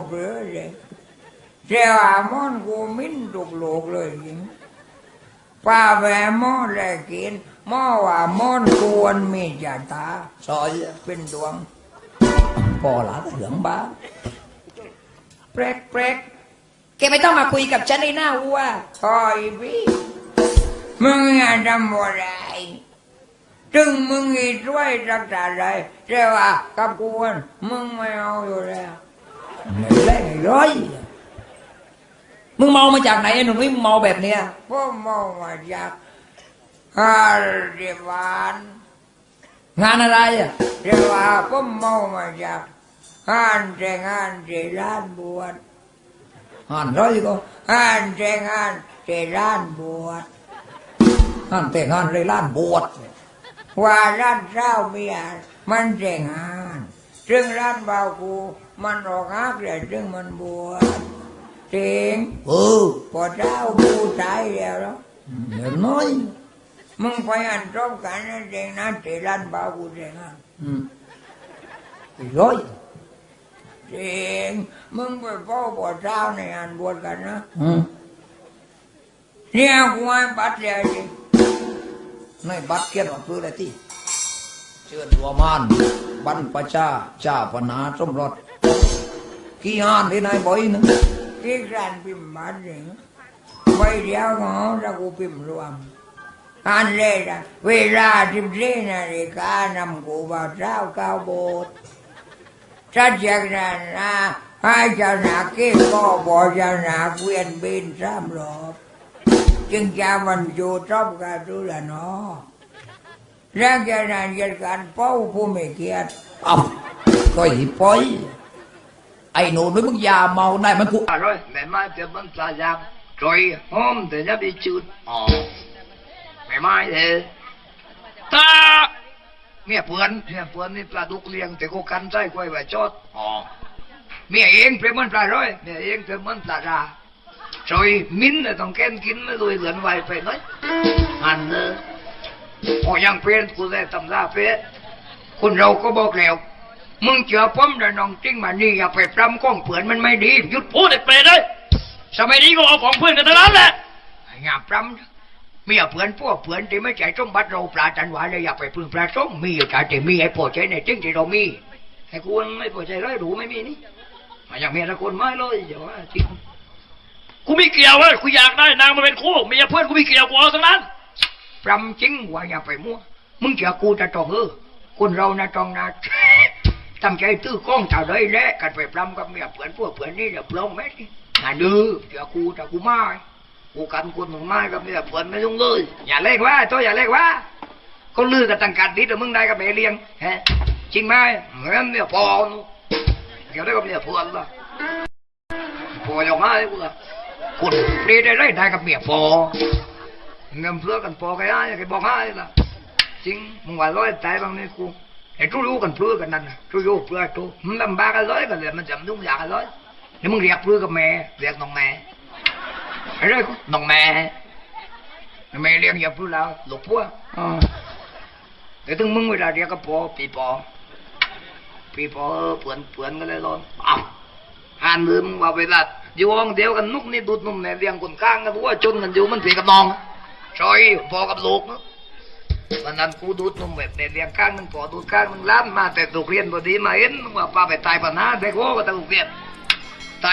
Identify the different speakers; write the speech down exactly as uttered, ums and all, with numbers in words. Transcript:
Speaker 1: เปลือเลยเจ้ามอนกูมิ้นตุกโลกเลยจริงป้าแหวมอนเลยกินหม้อว่ามอนควรมีจ่าตาซอยเป็นดวงพอละเหลืองบ้าแปรกแปรกแกไม่ต้องมาคุยกับฉันในหน้าวัวคอยพี่มึงอย่าทำอะไรจึงมึงอีช่วยรักษาอะไรเจ้าว่ากับกูมึงไม่เอาอยู่แล้วไม่เล่นร้อยมึงเมามาจากไหนหนุ่มนี่มึงเมาแบบเนี้ยพ่อเมามาจากฮาร์ดวานงานอะไรอ่ะเจ้าว่าพ่อเมามาจากงานแต่งงานที่ร้านบวชงานร้อยก็งานแต่งงานที่ร้านบวชงานแต่งงานที่ร้านบวชว่าร้านเจ้าเมียมันแต่งงานซึ่งร้านบ่าวกูมันออกฮักเลยซึ่งมันบวชจริงเออพอเจ้ากูตายแล้วเนาะเดี๋ยวน้อยมึงไปอันตรงกันนั่นเองนะที่ร้านบ่าวกูแต่งงานอืมร้อยจริงมึงไปพ่อพอเจ้าในอันบวชกันนะอืมเนี่ยกูให้บัตรเลยจริงในบัตรเขียนว่าเพื่ออะไรที่เชิญหัวมานบรรพชาเจ้าปนาสมรสกี่งานที่นายบ่อยนึงกี่การพิมพ์บัตรเองใบเดียวของเรากูพิมพ์รวมอันเลยนะเวลาสิบสี่นาฬิกานำกูบ่าวเจ้าเก้าโบสถ์ถ้าจากนั้นนะให้เจ้าหน้าที่ก็บอกเจ้าหน้าเวียนบินสามรอบจึงจะบรรจุจบกันดูแลเนาะแล้วจะนานจัดการเป้าผู้ไม่เกียรติอ้าวก็หิปอยไอ้หนูนึกมึงยาเมาได้มันกูอร่อยแม่ไม้เจ็บมันปลายางจอยหอมแต่จะไปจืดอ๋อแม่ไม้เลยตาเมียเพื่อนเมียเพื่อนนี่ปลาดุกเลี้ยงแต่กูกันใจกล้วยไว้จอดอ๋อเมียเองเป็นมันปลาร้อยเมียเองเป็นมันปลาราจอยมิ้นเลยต้องแกนกินไม่รวยเหลือนไวไปน้อยอันเนอพอยังเป็นกูได้ตำราเป๊ะคนเราก็บอกแล้วมึงเชื่อผมแต่น้องจริงมานี่อย่าไปปรำก้องเผื่อนมันไม่ดีหยุดพูดเด็กเปรตเลยสมัยนี้ก็เอาของเพื่อนกันทั้งนั้นแหละอย่าปรำมีเผื่อนพวกเผื่อนที่ไม่ใจสมบัติเราปลาจันหวานเลยอย่าไปพึ่งปลาส้มมีอยู่แต่ที่มีไอ้ปวดใจในจริงที่เรามีไอ้กูไม่ปวดใจร้อยดูไม่มีนี่อย่างเมียละคนไม่เลยเดี๋ยวว่าจริงกูไม่เกี่ยวเลยกูอยากได้นางมาเป็นคู่เมียเพื่อนกูไม่เกี่ยวกูเอาทั้งนั้นปรำจริงว่าอย่าไปมั่วมึงเกี่ยวกูจะจองเออคนเรานะจองนะตั้งใจตื้อกล้องเท่าไรแหละกันไปปรำกับเมียเพื่อนพวกเพื่อนนี่เดี๋ยวปลงแม่ดิน่าดื้อเกี่ยวกูแต่กูไม่กูกันคนมึงไม่กับเมียเพื่อนไม่ต้องเลยอย่าเล่นว่าตัวอย่าเล่นว่าก็ลือกับตั้งการดีแต่มึงได้กับเมียเลี้ยงฮะจริงไหมเหมือนเมียพอเกี่ยวได้กับเมียเพื่อนละพออย่างไรกูละคนเปรี้ยได้ได้ได้กับเมียพอเงินเพื่อกันพอกันได้กันบอกให้ละจริงมึงว่าร้อยใจบางนี่กูไอ้ทุรู้กันเพื่อกันนั่นทุรู้เพื่อทุมันลำบากกันร้อยกันเลยมันจำนุ่งยากกันร้อยนี่มึงเรียกเพื่อกับแม่เรียกน้องแม่ไอ้เรื่องน้องแม่แม่เรียกอย่าเพื่อแล้วหลบพัวแต่ถึงมึงเวลาเรียกก็พอปีพอปีพอเปื่อนเปื่อนกันเลยร้อนอ้าวหันมือมึงว่าเวลาอยู่ห้องเดียวกันนุกนี่ดูดนุ่มเนี่ยเลี้ยงคนข้างกันว่าจนกันอยู่มันเสียกับน้องซอยพอกับลูกนะวันนั้นกูดูดนุ่มแบบเนี่ยเลี้ยงข้างนึงพอดูดข้างนึงล้านมาแต่ถูกเรียนพอดีมาเห็นว่าป้าไปตายปัญหาแต่โง่ก็ต้องเรียน